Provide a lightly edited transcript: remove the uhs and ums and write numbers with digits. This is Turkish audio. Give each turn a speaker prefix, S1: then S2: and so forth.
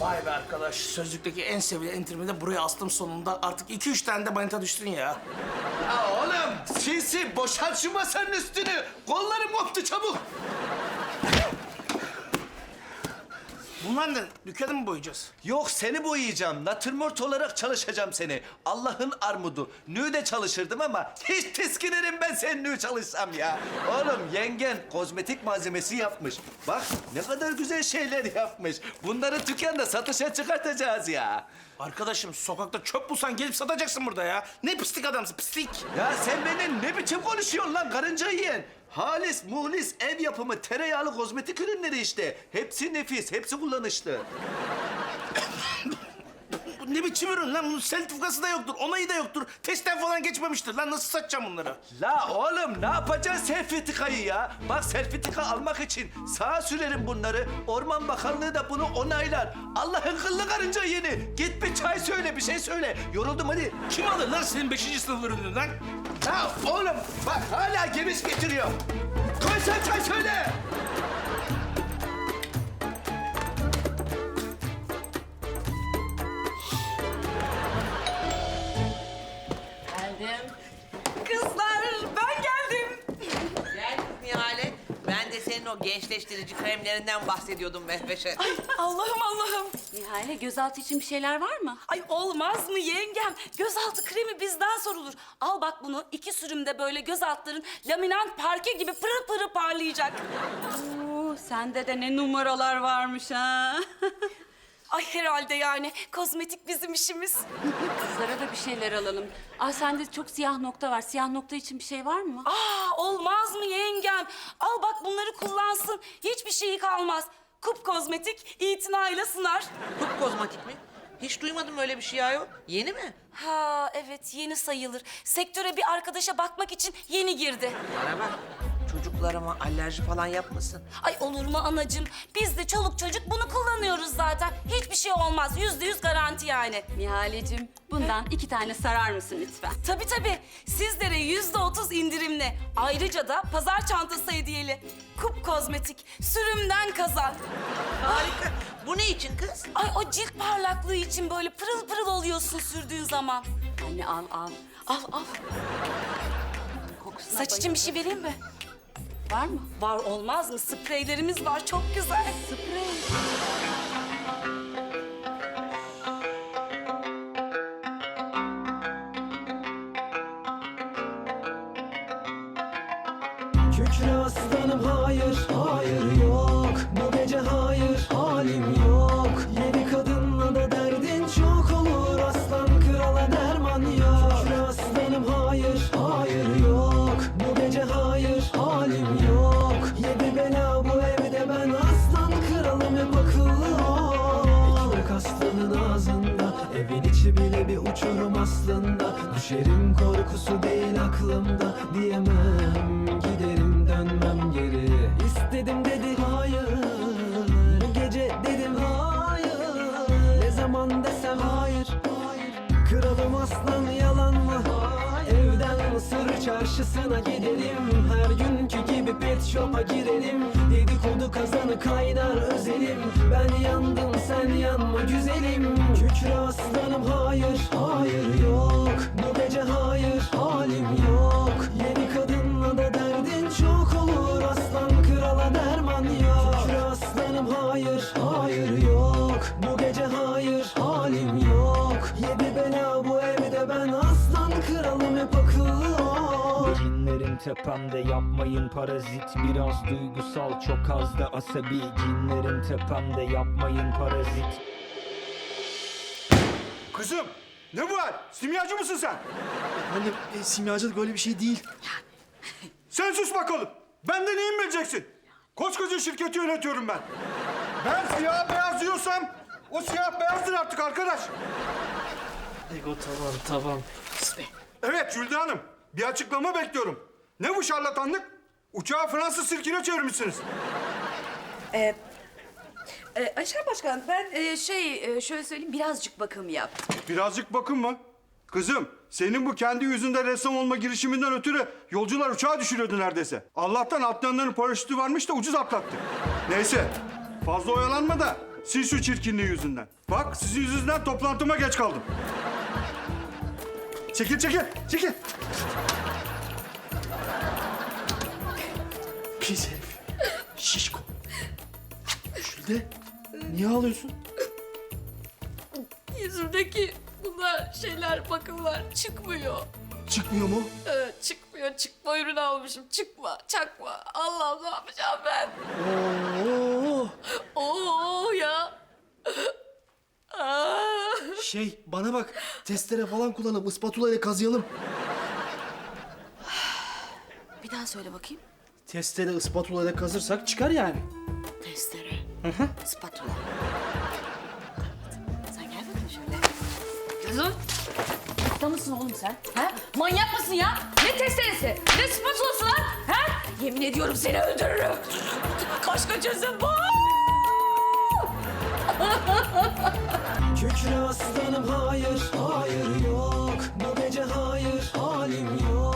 S1: Vay be arkadaş, sözlükteki en sevilen entrimi de buraya astım sonunda. Artık 2-3 tane de manita düştün ya.
S2: Ya oğlum sinsi boşalt şu masanın üstünü. Kollarım koptu çabuk.
S1: Bunlar ne? Dükkanı mı boyayacağız?
S2: Yok seni boyayacağım. Natürmort olarak çalışacağım seni. Allah'ın armudu. Nü'de çalışırdım ama hiç tiskinirim ben sen nü çalışsam ya. Oğlum yengen kozmetik malzemesi yapmış. Bak ne kadar güzel şeyler yapmış. Bunları dükkanda satışa çıkartacağız ya.
S1: Arkadaşım sokakta çöp bulsan gelip satacaksın burada ya. Ne pislik adamsın, pislik.
S2: Ya sen benim ne biçim konuşuyorsun lan karınca yiyen? Halis, muhlis, ev yapımı, tereyağlı kozmetik ürünleri işte. Hepsi nefis, hepsi kullanışlı.
S1: Bu ne biçim ürün lan? Bunun sertifikası da yoktur, onayı da yoktur. Testten falan geçmemiştir lan. Nasıl satacağım bunları?
S2: La oğlum ne yapacaksın sertifikayı ya? Bak sertifika almak için sağa sürerim bunları. Orman Bakanlığı da bunu onaylar. Allah'ın kıllı karınca yeni. Git bir çay söyle, bir şey söyle. Yoruldum hadi.
S1: Kim alır lan senin 5. sınıf ürününü lan?
S2: Ya oğlum bak hala geviş getiriyor. Koy sen çay söyle.
S3: Geldim.
S4: Kızlar ben geldim.
S3: Gel Nihale. Ben de senin o gençleştirici kremlerinden bahsediyordum Mehveş'e.
S4: Allah'ım Allah'ım.
S5: Nihale gözaltı için bir şeyler var mı?
S4: Ay olmaz mı yengem? Gözaltı kremi bizden sorulur. Al bak bunu 2 sürümde böyle göz altların laminant parke gibi pırıl pırıl parlayacak.
S5: Oo, sende de ne numaralar varmış ha.
S4: Ay herhalde yani kozmetik bizim işimiz.
S5: Kızlara da bir şeyler alalım. Aa, sende çok siyah nokta var. Siyah nokta için bir şey var mı?
S4: Aa olmaz mı yengem? Al bak bunları kullansın. Hiçbir şeyi kalmaz. Kup kozmetik itinayla sınar.
S3: Kup kozmetik mi? Hiç duymadım öyle bir şey ya. Yeni mi?
S4: Ha evet yeni sayılır. Sektöre bir arkadaşa bakmak için yeni girdi.
S3: Bana bak. Çocuklarıma alerji falan yapmasın.
S4: Ay olur mu anacığım? Biz de çoluk çocuk bunu kullanıyoruz zaten. Hiçbir şey olmaz. %100 garanti yani.
S5: Nihaleciğim, bundan 2 tane sarar mısın lütfen?
S4: Tabii tabii. Sizlere %30 indirimli. Ayrıca da pazar çantası hediyeli. Kup kozmetik. Sürümden kazan.
S3: Harika. Bu ne için kız?
S4: Ay o cilt parlaklığı için böyle pırıl pırıl oluyorsun sürdüğün zaman.
S5: Anne al al.
S4: Al al.
S5: Kokusuna
S4: Saç için bir şey vereyim mi?
S5: var mı?
S4: Var olmaz mı? Spreylerimiz var çok güzel.
S5: Sprey.
S6: Kükre aslanım hayır, hayır yok. Bu gece hayır, halim yok. Yedi kadınla da derdin çok olur. Aslan krala derman yok. Kükre aslanım hayır, hayır yok. Bu gece hayır, halim yok. Yedi bela bu evde ben aslan kralım hep akıllı ol. Ekmek aslanın ağzında, evin içi bile bir uçurum aslında. Düşerim korkusu değil aklımda, diyemem giderim dönmem geri. İstedim dedi hayır, bu gece dedim hayır. Ne zaman desem hayır, kralım aslan yalan mı? Evden Mısır çarşısına gidelim, her günkü gibi pet shop'a girelim. Dedikodu kazanı kaynar özelim, ben yandım sen yanma güzelim. Kükre aslanım hayır, hayır yok. Bu gece hayır, halim yok. Yedi kadınla da derdin çok olur. Aslan krala derman yok. Kükre aslanım hayır, hayır yok. Bu gece hayır, halim yok. Yedi bela bu evde ben aslan kralım hep akıllı ol.
S7: Cinlerin tepemde yapmayın parazit. Biraz duygusal çok az da asabi. Cinlerin tepemde yapmayın parazit.
S8: Kızım, ne bu hal? Simyacı mısın sen?
S9: Anne, simyacılık öyle bir şey değil.
S8: Sen sus bakalım. Benden iyi mi bileceksin? Koskoca şirketi yönetiyorum ben. Ben siyah beyaz diyorsam o siyah beyazdır artık arkadaş.
S9: Ego tamam.
S8: Evet Jülde Hanım, bir açıklama bekliyorum. Ne bu şarlatanlık? Uçağı Fransız sirkine çevirmişsiniz.
S10: Ayşen Başkan, ben şöyle söyleyeyim, birazcık bakım yaptım.
S8: Birazcık bakın mı? Kızım, senin bu kendi yüzünde ressam olma girişiminden ötürü yolcular uçağı düşürüyordu neredeyse. Allah'tan atlayanların paraşütü varmış da ucuz atlattık. Neyse, fazla oyalanma da Siz şu çirkinliği yüzünden. Bak sizin yüzünden toplantıma geç kaldım. Çekil, çekil, çekil.
S9: Pis herif. Şişko. Jülde, niye ağlıyorsun?
S4: Yüzümdeki bunlar şeyler, bakımlar çıkmıyor.
S9: Çıkmıyor mu?
S4: Çıkmıyor. Çıkma ürünü almışım. Çıkma, çakma. Allah'ım ne yapacağım ben?
S9: Oo.
S4: Oo ya. Aa.
S9: Bana bak. Testere falan kullanıp ispatula ile kazıyalım.
S4: Bir daha söyle bakayım.
S9: Testere ispatula ile kazırsak çıkar yani.
S4: Testere. Spatula. Sen gel bakayım şöyle. Kızım. Hasta mısın oğlum sen? Ha? Manyak mısın ya? Ne testeresi? Ne spatulası lan? Ha? Yemin ediyorum seni öldürürüm. Başka çözüm bu.
S6: Kükre aslanım hayır, hayır yok. Bu gece hayır, halim yok.